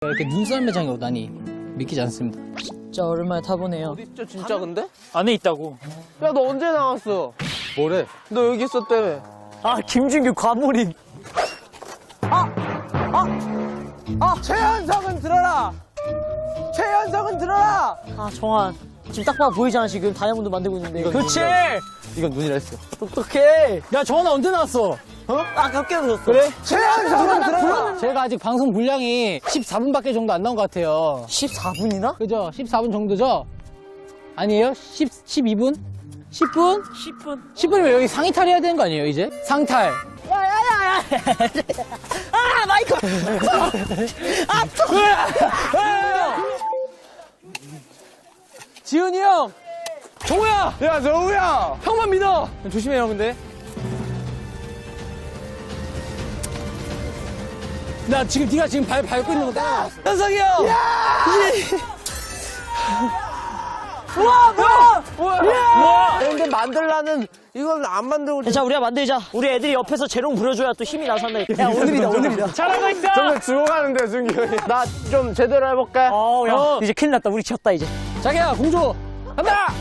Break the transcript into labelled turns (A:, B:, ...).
A: 이렇게 눈썰 매장에 오다니 믿기지 않습니다.
B: 진짜 오랜만에 타보네요.
C: 진짜 진짜 근데?
A: 안에 있다고.
C: 야 너 언제 나왔어?
D: 뭐래?
C: 너 여기 있었다며.
B: 아, 김준규 과몰입.
C: 최현석은 들어라. 최현석은 들어라.
B: 아, 정한. 지금 딱 봐 보이잖아, 지금. 다이아몬드 만들고 있는데.
A: 그렇지.
D: 이건 눈이라 했어.
B: 똑똑해.
A: 야 정원아 언제 나왔어?
B: 아깝게 웃었어.
A: 그래?
C: 최현석은 들어라.
A: 제가 아직 방송 분량이 14분밖에 정도 안 나온 것 같아요.
B: 14분이나?
A: 그죠? 14분 정도죠? 아니에요? 12분? 10분?
B: 10분.
A: 10분이면 여기 상의탈 해야 되는 거 아니에요, 이제? 상탈.
B: 야야야야. 아, 마이크.
A: 지은이 형! 정우야!
C: 야 정우야.
A: 형만 믿어! 조심해요, 근데. 나 지금 네가 지금 밟고 있는 거 따라. 현석이 형!
C: 근데 만들라는 이건 안 만들고.
B: 자, 우리가 만들자. 우리 애들이 옆에서 재롱 부려줘야 또 힘이 나서 한다. 야, 오늘이다.
A: 잘하고 있어!
C: 정말 죽어가는데 준기 형이. 나 좀 제대로 해볼게.
B: 야. 이제 큰일 났다. 우리 졌다, 이제.
A: 자기야, 공주! 간다!